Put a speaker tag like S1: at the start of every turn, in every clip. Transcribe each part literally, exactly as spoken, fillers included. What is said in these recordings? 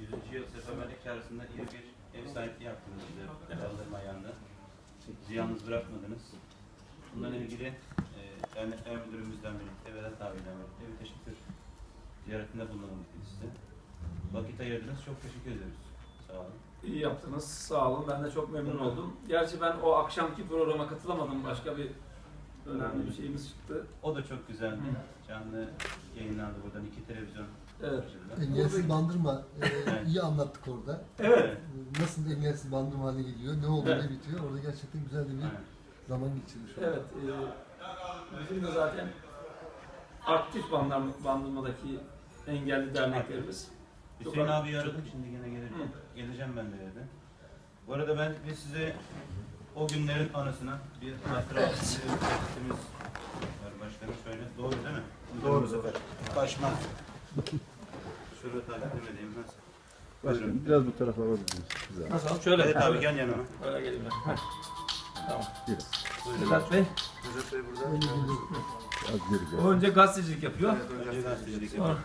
S1: yüzüncü yıl seferberlik çağrısında iyi bir ev sahipliği yaptınız bize. Kaldırma ayağında. Bizi yalnız bırakmadınız. Bundan ilgili e, dernekler müdürümüzden birlikte, Vedat abiyle birlikte bir teşekkür ziyaretinde bulunalım size. Vakit ayırdınız. Çok teşekkür ederiz. Sağ olun.
S2: İyi yaptınız. Sağ olun. Ben de çok memnun oldum. Gerçi ben o akşamki programa katılamadım. Başka bir önemli bir şeyimiz çıktı.
S1: O da çok güzeldi. Canlı yayınlandı buradan iki televizyon.
S2: Evet.
S3: Engelsiz Bandırma e,
S1: Evet.
S3: iyi anlattık orada.
S2: Evet.
S3: E, Nasıl engelsiz bandırma haline geliyor, ne oluyor,
S2: Evet.
S3: ne bitiyor. Orada gerçekten güzel de bir
S1: Evet.
S3: zaman geçirmiş olduk.
S2: Evet. E, bizim de zaten aktif bandırma, bandırmadaki engelli derneklerimiz.
S1: Hüseyin abi aradım, şimdi yine geleceğim. Geleceğim ben de dedi. Bu arada ben ve size o günlerin anısına bir hatıra üretimiz var başkanım. Şöyle doğru değil mi? Doğru sefer. Başma. Şurada takdim edeyim nasıl?
S4: Başkanım biraz bu tarafa alabiliriz. Güzel.
S2: Nasıl? Şöyle.
S1: Evet abi gel yanıma.
S2: Öyle geleyim ben. Heh. Tamam.
S4: Biraz.
S1: Buyurun.
S2: Vedat Bey.
S1: Vedat Bey burada.
S3: Öyle geliyor.
S4: Az geri gel.
S2: O önce gazetecilik yapıyor.
S1: Önce gazetecilik
S2: Sonra
S1: yapalım.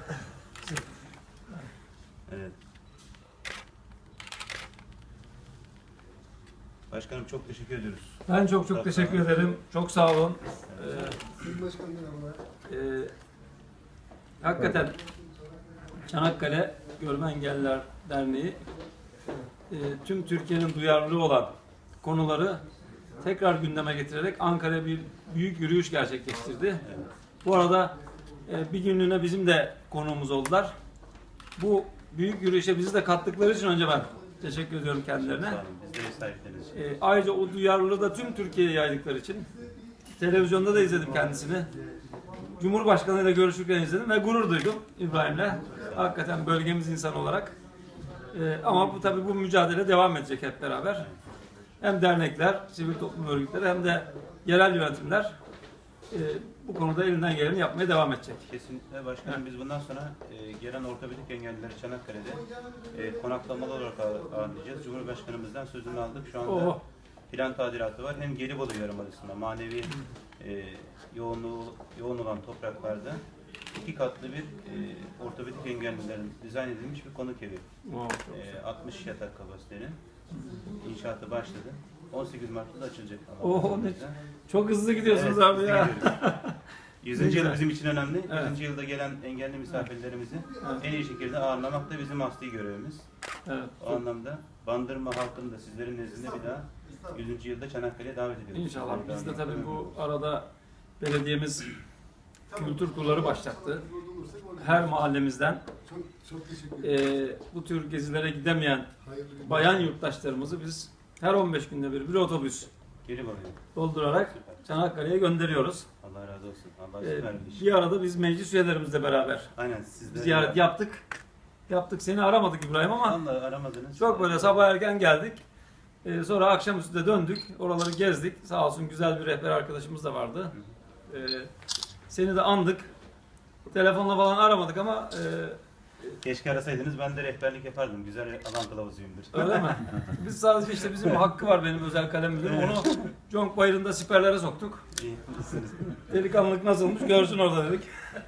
S1: Evet. Başkanım çok teşekkür ediyoruz.
S2: ben çok çok teşekkür ederim. Çok sağ olun. Ee,
S3: Sayın Başkanım merhabalar.
S2: Ee, hakikaten Çanakkale Görme Engelliler Derneği e, tüm Türkiye'nin duyarlılığı olan konuları tekrar gündeme getirerek Ankara'ya bir büyük yürüyüş gerçekleştirdi. Bu arada e, bir günlüğüne bizim de konuğumuz oldular. Bu büyük yürüyüşe bizi de kattıkları için önce ben teşekkür ediyorum kendilerine.
S1: Sağ olun. Biz de ev sahipleriniz.
S2: E, ayrıca o duyarlılığı da tüm Türkiye'ye yaydıkları için televizyonda da izledim kendisini. Cumhurbaşkanı ile görüşürken izledim ve gurur duydum İbrahim'le. Hakikaten bölgemiz insanı olarak. E, ama bu tabii bu mücadele devam edecek hep beraber. Hem dernekler, sivil toplum örgütleri hem de yerel yönetimler e, bu konuda elinden geleni yapmaya devam edecek.
S1: Kesinlikle başkanım biz bundan sonra e, gelen ortopedik engellileri Çanakkale'de e, konaklamalı olarak ağ- ağırlayacağız. Cumhurbaşkanımızdan sözünü aldık. Şu anda
S2: Oo.
S1: plan tadilatı var. Hem Gelibolu Yarımadası'nda manevi e, yoğunluğu yoğun olan topraklarda iki katlı bir e, ortopedik engellilerin dizayn edilmiş bir konuk evi.
S2: Oo, çok güzel.
S1: E, altmış yatak kapasitenin inşaatı başladı. on sekiz Mart'ta da açılacak.
S2: Oo, ne- Çok hızlı gidiyorsunuz
S1: Evet,
S2: abi
S1: biz
S2: ya.
S1: gidiyoruz. yüzüncü yıl
S2: Güzel.
S1: bizim için önemli.
S2: Evet.
S1: yüzüncü yılda gelen engelli misafirlerimizi
S2: Evet.
S1: en iyi şekilde ağırlamak da bizim asli görevimiz.
S2: Evet.
S1: O anlamda Bandırma halkını da sizlerin nezdinde bir daha yüzüncü yılda Çanakkale'ye davet ediyoruz.
S2: İnşallah.
S1: Sizleri
S2: Biz de
S1: davet
S2: tabii
S1: ediyoruz.
S2: bu arada belediyemiz kültür turları başlattı. Her mahallemizden
S3: Çok, çok teşekkür ederim.
S2: e, bu tür gezilere gidemeyen
S3: Hayırlı günler.
S2: bayan yurttaşlarımızı biz her on beş günde bir bir otobüs
S1: Geri bakıyor.
S2: doldurarak Çanakkale'ye gönderiyoruz.
S1: Allah razı olsun. Allah
S2: E,
S1: süper bir iş.
S2: bir arada biz meclis üyelerimizle beraber
S1: Aynen siz de.
S2: ziyaret yaptık. Yaptık. Seni aramadık İbrahim ama
S1: Vallahi aramadınız.
S2: çok böyle sabah erken geldik. E, sonra akşamüstü de döndük. Oraları gezdik. Sağ olsun güzel bir rehber arkadaşımız da vardı. E, seni de andık. Telefonla falan aramadık ama e,
S1: Keşke arasaydınız ben de rehberlik yapardım. Güzel alan kılavuzuyumdur.
S2: öyle mi? Biz sadece işte bizim o hakkı var benim özel kalem müdürüm. Onu Conk Bayırı'nda siperlere soktuk.
S1: İyi, mutlusunuz.
S2: Delikanlılık nasılmış görsün orada dedik.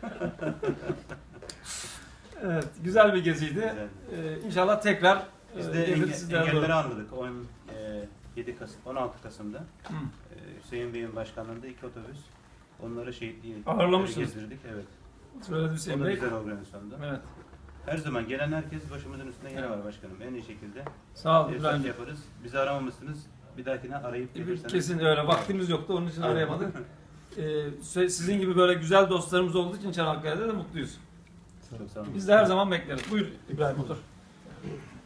S2: Evet, güzel bir geziydi.
S1: Güzel.
S2: Ee, inşallah tekrar
S1: Biz
S2: e,
S1: de
S2: gelir
S1: enge,
S2: sizlere
S1: engelleri
S2: doğru.
S1: anladık. on yedi Kasım, on altı Kasım'da
S2: Hı.
S1: e, Hüseyin Bey'in başkanlığında iki otobüs onları şehitliği
S2: Ağırlamışsınız.
S1: gezdirdik. Evet.
S2: Söyledi Hüseyin
S1: O da
S2: Bey.
S1: güzel organizasyonda.
S2: Evet.
S1: Her zaman gelen herkes başımızın üstünde yeri var başkanım. En iyi şekilde
S2: Sağ olun
S1: ev
S2: İbrahim.
S1: sahibi yaparız. Bizi aramamışsınız. Bir dahakine arayıp gelirseniz.
S2: Kesin öyle. Vaktimiz yoktu onun için arayamadık. Ee, sizin gibi böyle güzel dostlarımız olduğu için Çanakkale'de de mutluyuz.
S1: Çok sağ olun.
S2: Biz de her zaman bekleriz. Buyur İbrahim otur.